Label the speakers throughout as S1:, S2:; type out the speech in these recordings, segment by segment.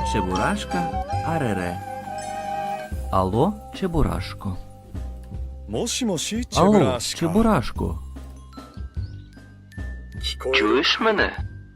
S1: Чебурашка, арере. Алло, Чебурашко.
S2: もしもし、チェブ
S1: Алло,
S2: ラシカ。
S1: Чебурашко.
S2: 聞こえる
S1: Чуєш мене?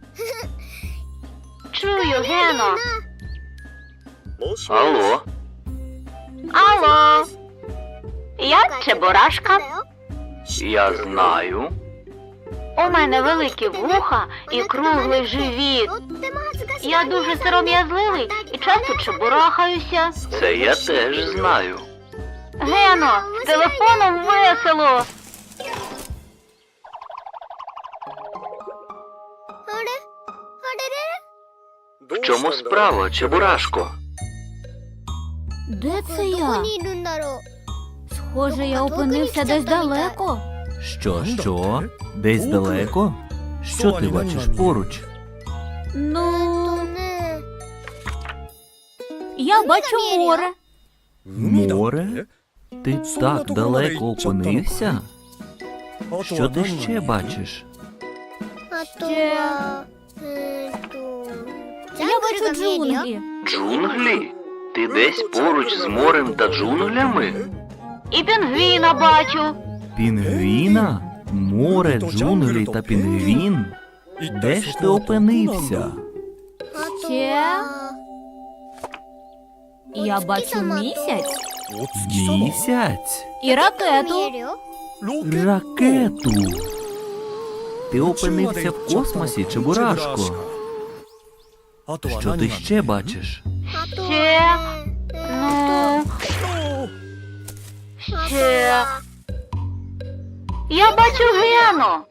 S3: Чую, Гено.
S2: もしもし
S1: Алло.
S3: Алло. Я Чебурашка.
S1: Я знаю.
S3: У мене великі вуха і круглий живіт. Я дуже сором'язливий і часто чебурахаюся.
S1: Це я теж знаю.
S3: Гено, з телефоном весело.
S1: В чому справа, Чебурашко?
S4: Де це я? Схоже, я опинився десь далеко.
S1: Що? Десь далеко? Що ти бачиш поруч?
S4: Ну, я бачу море.
S1: Море? Ти так далеко опинився? Що ти ще бачиш?
S4: Ще... Я бачу джунглі.
S1: Джунглі? Ти десь поруч з морем та джунглями?
S3: І пінгвіна бачу.
S1: Пінгвіна? Море, джунглі та пінгвін? Де ж ти опинився?
S4: Ще... Я бачу місяць
S1: Місяць?
S4: і ракету.
S1: Ракету? Ти опинився в космосі, Чебурашко? Що ти ще бачиш?
S3: Ще... Ну... Ще... Я бачу Гену.